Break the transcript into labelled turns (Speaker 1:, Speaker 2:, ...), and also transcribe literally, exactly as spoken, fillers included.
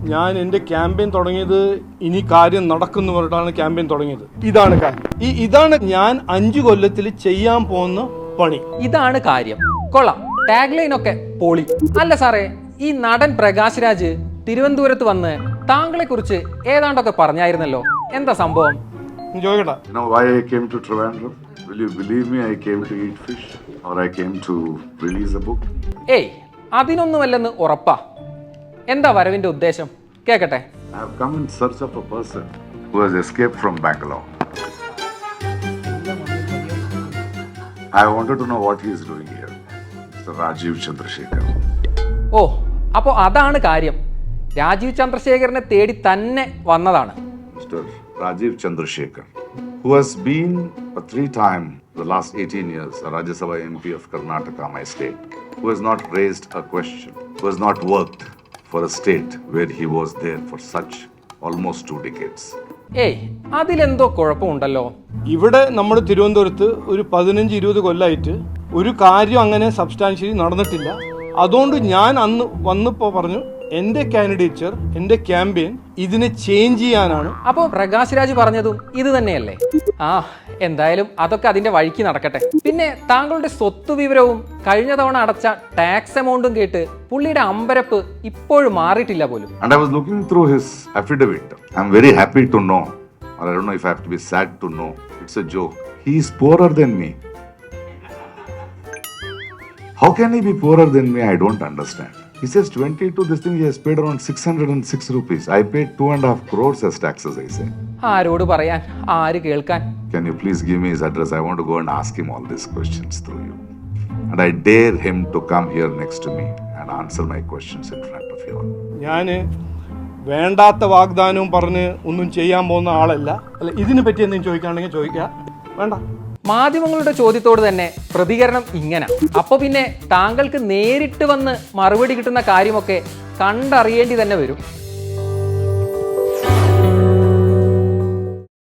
Speaker 1: ഞാൻ എൻ്റെ ക്യാമ്പയിൻ തുടങ്ങിയത് ഇനി കാര്യം നടക്കുന്നു പറഞ്ഞിട്ടാണ് ക്യാമ്പയിൻ തുടങ്ങിയത്. ഇതാണ് കാര്യം. ഈ ഇതാണ് ഞാൻ അഞ്ചു കൊല്ലത്തിൽ ചെയ്യാൻ പോകുന്ന പണി.
Speaker 2: ഇതാണ് കാര്യം. കൊള്ളാം, ടാഗ് ലൈൻ ഒക്കെ പൊളി. അല്ല സാറേ, ഈ നടൻ പ്രകാശ് രാജ് തിരുവനന്തപുരത്ത് വന്ന് താങ്കളെ കുറിച്ച് ഏതാണ്ടൊക്കെ പറഞ്ഞായിരുന്നല്ലോ, എന്താ സംഭവം?
Speaker 1: ചോദിക്കട്ടെ.
Speaker 3: You know why I came to Trivandrum? Will you believe me? I came to eat fish, or I came to release a book.
Speaker 2: ഏയ്, അതിനൊന്നുമല്ലെന്ന് ഉറപ്പാ. എന്താ വരവിന്റെ ഉദ്ദേശം? കേക്കട്ടെ.
Speaker 3: I have come in search of a person who has escaped from Bangalore. I wanted to know what he is doing here. Mister Rajiv Chandrasekhar.
Speaker 2: ഓ, അപ്പോൾ അതാണ് കാര്യം. രാജീവ് ചന്ദ്രശേഖരനെ തേടി തന്നെ വന്നതാണ്.
Speaker 3: Mister Rajiv Chandrasekhar, who has been a three-time, the last eighteen years, a Rajya Sabha M P of Karnataka, my state, who has not raised a question, who has not worked for a state where he was there for such almost two decades.
Speaker 2: ഏയ്, അതിലെന്തോ കുഴപ്പമുണ്ടല്ലോ.
Speaker 1: ഇവിടെ നമ്മുടെ തിരുവനന്തപുരത്ത് ഒരു പതിനഞ്ച് ഇരുപത് കൊല്ലമായിട്ട് ഒരു കാര്യം അങ്ങനെ സബ്സ്റ്റാൻഷ്യലി നടന്നിട്ടില്ല. അതുകൊണ്ട് ഞാൻ അന്ന് വന്നപ്പോൾ പറഞ്ഞു, എൻ്റെ കാൻഡിഡേച്ചർ, എൻ്റെ ക്യാമ്പയിൻ ഇതിനെ ചേഞ്ച് ചെയ്യാനാണ്.
Speaker 2: അപ്പോൾ പ്രകാശ് രാജ് പറഞ്ഞതും ഇത് തന്നെയല്ലേ? ആ, എന്തായാലും അതൊക്കെ അതിന്റെ വഴിക്ക് നടക്കട്ടെ. പിന്നെ താങ്കളുടെ സ്വത്ത് വിവരവും കഴിഞ്ഞ തവണ അടച്ച ടാക്സ് എമൗണ്ടും കേട്ട് പുള്ളിയുടെ അമ്പരപ്പ് ഇപ്പോഴും മാറിയിട്ടില്ല പോലും.
Speaker 3: And I was looking through his affidavit. I'm very happy to know, or I don't know if I have to be sad to know, it's a joke. He is poorer than me. How can he be poorer than me? I don't understand. He says twenty-two, this thing he has paid around six hundred six rupees. I paid two and a half crores as taxes, I say.
Speaker 2: ആരോട് പറയാൻ, ആര് കേൾക്കാൻ?
Speaker 3: Can you please give me his address? I want to go and ask him all these questions through you. And I dare him to come here next to me and answer my questions in front of you all.
Speaker 1: ഞാൻ വേണ്ടാത്ത വാഗ്ദാനവും പറഞ്ഞ് ഒന്നും ചെയ്യാൻ പോകുന്ന ആളല്ല. അല്ല, ഇതിനെ പറ്റി എന്തെങ്കിലും ചോദിക്കുകയാണെങ്കിൽ ചോദിക്കുക, വേണ്ട.
Speaker 2: മാധ്യമങ്ങളുടെ ചോദ്യത്തോട് തന്നെ പ്രതികരണം ഇങ്ങനെ. അപ്പൊ പിന്നെ താങ്കൾക്ക് നേരിട്ട് വന്ന് മറുപടി കിട്ടുന്ന കാര്യമൊക്കെ കണ്ടറിയേണ്ടി തന്നെ വരും.